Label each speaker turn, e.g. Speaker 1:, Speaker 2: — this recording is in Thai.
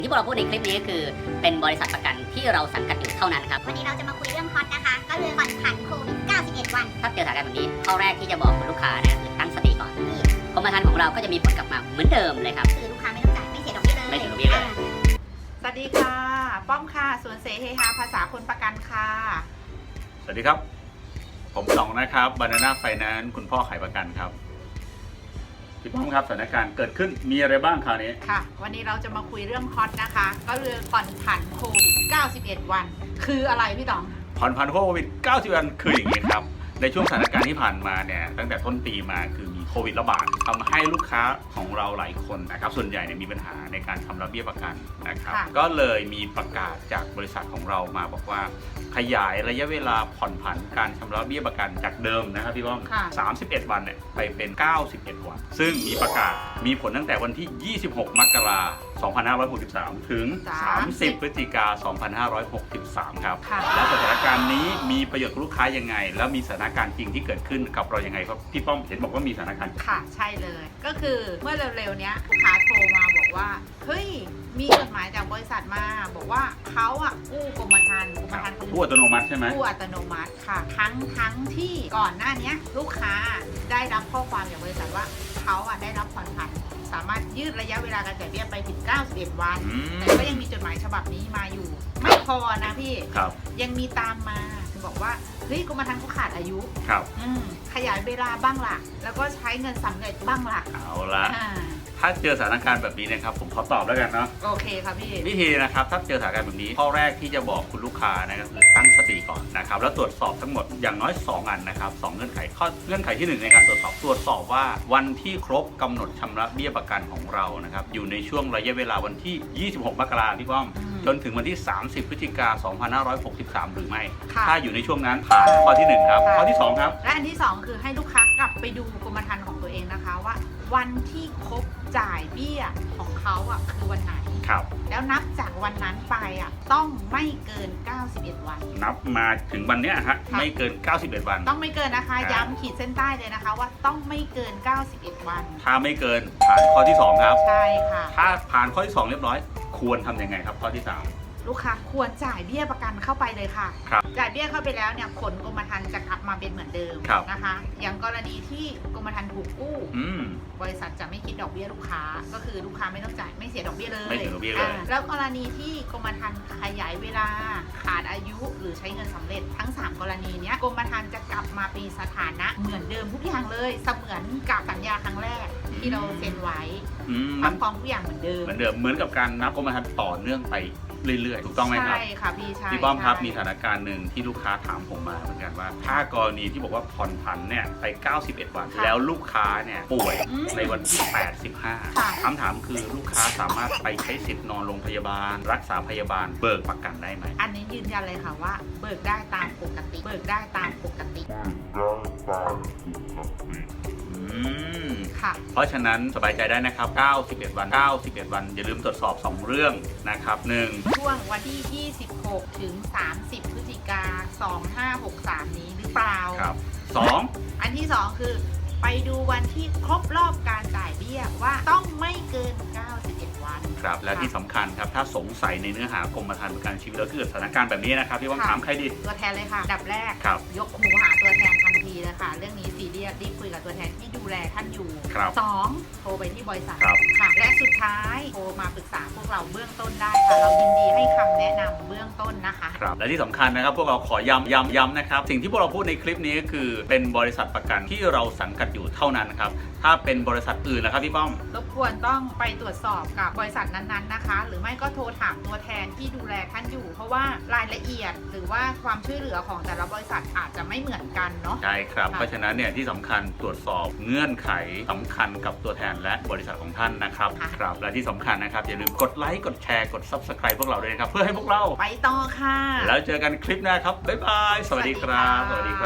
Speaker 1: ที่พวกเราพูดในคลิปนี้คือเป็นบริษัทประกันที่เราสังกัดอยู่เท่านั้นครับ
Speaker 2: วันนี้เราจะมาคุยเรื่องฮอตนะคะ ก็คือผ่อนผันโควิด 91 วัน
Speaker 1: ถ้าเจอสถานการณ์แบบนี้ข้อแรกที่จะบอกคุณลูกค้าเนี่ยคือตั้งสติก่อนกรมธรรม์ของเราก็จะมีผลกลับมาเหมือนเดิมเลยครับ
Speaker 2: คือลูกค้าไม่ต้องจ่ายไม่เสียดอกเบี้ยเลย
Speaker 1: ไม่เสียดอกเบี้ยเลย
Speaker 3: สวัสดีค่ะ ป้อมค่ะสวนเสเฮฮาภาษาคนประกันค่ะ
Speaker 4: สวัสดีครับ ผมสองนะครับ Banana Finance คุณพ่อขายประกันครับพี่ป้อมครับสถานการณ์เกิดขึ้นมีอะไรบ้างคราวนี้
Speaker 3: ค่ะ วันนี้เราจะมาคุยเรื่องฮอตนะคะ ก็คือผ่อนผันโควิด 91 วัน คืออะไรพี่ต๋อง
Speaker 4: ผ่อนผันโควิด 90 วันคืออย่างนี้ครับ ในช่วงสถานการณ์ที่ผ่านมาเนี่ยตั้งแต่ต้นปีมาคือมีโควิดระบาดทำให้ลูกค้าของเราหลายคนนะครับส่วนใหญ่เนี่ยมีปัญหาในการชำระเบี้ยประกันนะครับ
Speaker 3: ค่ะ
Speaker 4: ก็เลยมีประกาศจากบริษัทของเรามาบอกว่า ขยายระยะเวลาผ่อนผันการชำระเบี้ยประกันจากเดิมนะครับพี่ป้อม
Speaker 3: ค่ะ
Speaker 4: 31 วันเนี่ยไปเป็น 91 วัน ซึ่งมีประกาศมีผลตั้งแต่วันที่ 26 มกราคม 2563 ถึง 30 พฤศจิกายน 2563 ครับ
Speaker 3: ค่ะ
Speaker 4: แล้วสถานการณ์นี้มีประโยชน์กับลูกค้ายังไง แล้วมีสถานการณ์จริงที่เกิดขึ้นกับเรายังไงครับพี่ป้อมเห็นบอกว่ามีสถานการณ์
Speaker 3: ค่ะ ใช่เลย ก็คือเมื่อเร็วๆเนี้ยลูกค้าโทรมาบอกว่า เฮ้ย มีจดหมายจากบริษัทมา บอกว่าเขาอะกู้กรมธรรม์เขา
Speaker 4: ผู้อัตโนมัติใช่ไหม
Speaker 3: กู้อัตโนมัติค่ะ ทั้งที่ก่อนหน้านี้ลูกค้าได้รับข้อความจากบริษัทว่าเขาอะได้รับผ่อนผันสามารถยืดระยะเวลาการจ่ายเบี้ยไปถึง 91 วัน แต่ก็ยังมีจดหมายฉบับนี้มาอยู่ ไม่พอนะพี่
Speaker 4: ครับ
Speaker 3: ยังมีตามมาบอกว่าเฮ้ยกรมธรรม์เขาขาดอายุ
Speaker 4: ครับ
Speaker 3: ขยายเวลาบ้างล่ะ แล้วก็ใช้เงินสำเร็จบ้างล่ะ
Speaker 4: เอาละ
Speaker 3: อ่า
Speaker 4: ถ้าเจอสถานการณ์แบบนี้นะครับผมขอตอบแล้วกันเนาะ
Speaker 3: โอเคค่ะพี่
Speaker 4: วิธีนะครับถ้าเจอสถานการณ์แบบนี้ข้อแรกที่จะบอกคุณลูกค้านะครับคือตั้งสติก่อนนะครับแล้วตรวจสอบทั้งหมดอย่างน้อย2อันนะครับ2เงื่อนไขข้อเงื่อนไขที่1ในการตรวจสอบว่าวันที่ครบกำหนดชำระเบี้ยประกันของเรานะครับอยู่ในช่วงระยะเวลาวันที่ 26 มกราคมพี่ป้อม จนถึงวันที่ 30 พฤศจิกายน 2563 หรือไม่
Speaker 3: ค่ะ
Speaker 4: ถ้าอยู่ในช่วงนั้นผ่านข้อที่1ครับ
Speaker 3: ค่ะ
Speaker 4: ข้อที่2ครับ
Speaker 3: และอันที่ 2 คือให้ลูกค้ากลับไปดูกรมธรรม์ของตัวเองนะคะว่า วันที่ครบจ่ายเบี้ยของเขาอ่ะคือวันไหน
Speaker 4: ครับ
Speaker 3: แล้วนับจากวันนั้นไปอ่ะต้องไม่เกิน 91 วัน
Speaker 4: นับมาถึงวันเนี้ยฮะ
Speaker 3: ค่ะ
Speaker 4: ไม่เกิน 91 วัน
Speaker 3: ต้องไม่เกินนะคะ
Speaker 4: ครับ
Speaker 3: ย้ำขีดเส้นใต้เลยนะคะว่าต้องไม่เกิน 91 วัน
Speaker 4: ถ้าไม่เกินผ่านข้อที่ 2 ครับ
Speaker 3: ใช่ค่ะ
Speaker 4: ถ้าผ่านข้อที่ 2 เรียบร้อย ควรทำยังไงครับข้อที่ 3
Speaker 3: ลูกค้าควรจ่ายเบี้ยประกันเข้าไปเลยค่ะ
Speaker 4: ครับ
Speaker 3: จ่ายเบี้ยเข้าไปแล้วเนี่ยผลกรมธรรม์จะกลับมาเป็นเหมือนเดิม
Speaker 4: ครับ
Speaker 3: นะคะ อย่างกรณีที่กรมธรรม์ถูกกู้
Speaker 4: อืม
Speaker 3: บริษัทจะไม่คิดดอกเบี้ยลูกค้า ก็คือลูกค้าไม่ต้องจ่ายไม่เสียดอกเบี้ยเลย
Speaker 4: ไม่เสียดอกเบี้ยเลย
Speaker 3: แล้วกรณีที่กรมธรรม์ขยายเวลาขาดอายุหรือใช้เงินสำเร็จทั้ง 3 กรณีเนี้ยกรมธรรม์จะกลับมาเป็นสถานะเหมือนเดิมทุกอย่างเลยเสมือนกับสัญญาครั้งแรกที่เราเซ็นไว้
Speaker 4: มัน
Speaker 3: ทำฟ้องทุกอย่างเหมือนเดิม
Speaker 4: เหมือนเดิมเหมือนกับการนับกรมธรรม์ต่อเนื่องไปเรื่อยๆ ถูกต้องไหมครับ
Speaker 3: ใช่ค่ะพี่ใช่
Speaker 4: พี่ป้อมครับ
Speaker 3: ใช่
Speaker 4: มีสถานการณ์หนึ่งที่ลูกค้าถามผมมาเหมือนกันว่า ถ้ากรณีที่บอกว่าผ่อนผันเนี่ยไป 91 วัน
Speaker 3: ค่ะ
Speaker 4: แล้วลูกค้าเนี่ยป่วย
Speaker 3: อืม
Speaker 4: ในวันที่
Speaker 3: ค่ะ
Speaker 4: 85คำถามคือลูกค้าสามารถไปใช้สิทธิ์นอนโรงพยาบาล รักษาพยาบาลเบิกประกันได้ไหม
Speaker 3: อันนี้ยืนยันเลยค่ะว่าเบิกได้ตามปกติ เบิกได้ตามปกติ
Speaker 4: อืม
Speaker 3: ค่ะ
Speaker 4: เพราะฉะนั้นสบายใจได้นะครับ 91 วัน 91 วันอย่าลืมตรวจสอบ 2 เรื่องนะครับ 1
Speaker 3: ช่วงวันที่ 26 ถึง 30 พฤศจิกา 2563 นี้หรือเปล่า
Speaker 4: ครับ 2
Speaker 3: อันที่ 2 คือ ไปดูวันที่ครบรอบการจ่ายเบี้ยว่าต้องไม่เกิน 91 วัน
Speaker 4: ครับ และที่สำคัญครับ ถ้าสงสัยในเนื้อหากรมธรรม์ประกันชีวิตแล้วเกิดสถานการณ์แบบนี้นะครับ พี่ว่าง
Speaker 3: ค่ะ
Speaker 4: ถามใครดี
Speaker 3: ตัวแทนเลยค่ะอันดับแรก
Speaker 4: ครับ
Speaker 3: ยกหูหาตัวแทนทันทีเลยค่ะ เรื่องนี้ซีเรียสรีบคุยกับตัวแทนที่ดูแลท่านอยู่
Speaker 4: ครับ
Speaker 3: 2 โทรไปที่บริษัท
Speaker 4: ครับ
Speaker 3: ค่ะ และสุดท้ายโทรมาปรึกษาพวกเราเบื้องต้นได้ค่ะ เรายินดีให้คำแนะนำเบื้องต้นนะคะ
Speaker 4: ครับและที่สำคัญนะครับพวกเราขอย้ำนะครับสิ่งที่พวกเราพูดในคลิปนี้ก็คือเป็นบริษัทประกันที่เราสังกัดอยู่เท่านั้นครับถ้าเป็นบริษัทอื่นนะครับพี่ป้อม
Speaker 3: รบกวนต้องไปตรวจสอบกับบริษัทนั้นๆนะคะ หรือไม่ก็โทรถามตัวแทนที่ดูแลท่านอยู่ เพราะว่ารายละเอียดหรือว่าความช่วยเหลือของแต่ละบริษัทอาจจะไม่เหมือนกันเนาะ
Speaker 4: ใช่ครับ
Speaker 3: ค่ะ
Speaker 4: เพราะฉะนั้นเนี่ยที่สำคัญตรวจสอบเงื่อนไขสำคัญกับตัวแทนและบริษัทของท่านนะครับครับและที่สำคัญนะครับอย่าลืมกดไลค์กดแชร์กด Subscribe พวกเราด้วยนะครับเพื่อให้พวกเรา
Speaker 3: ไปต่อค่ะ
Speaker 4: แล้วเจอกันคลิปหน้าครับบ๊ายบายสวัสดีครับ
Speaker 3: สวัสดีค่ะ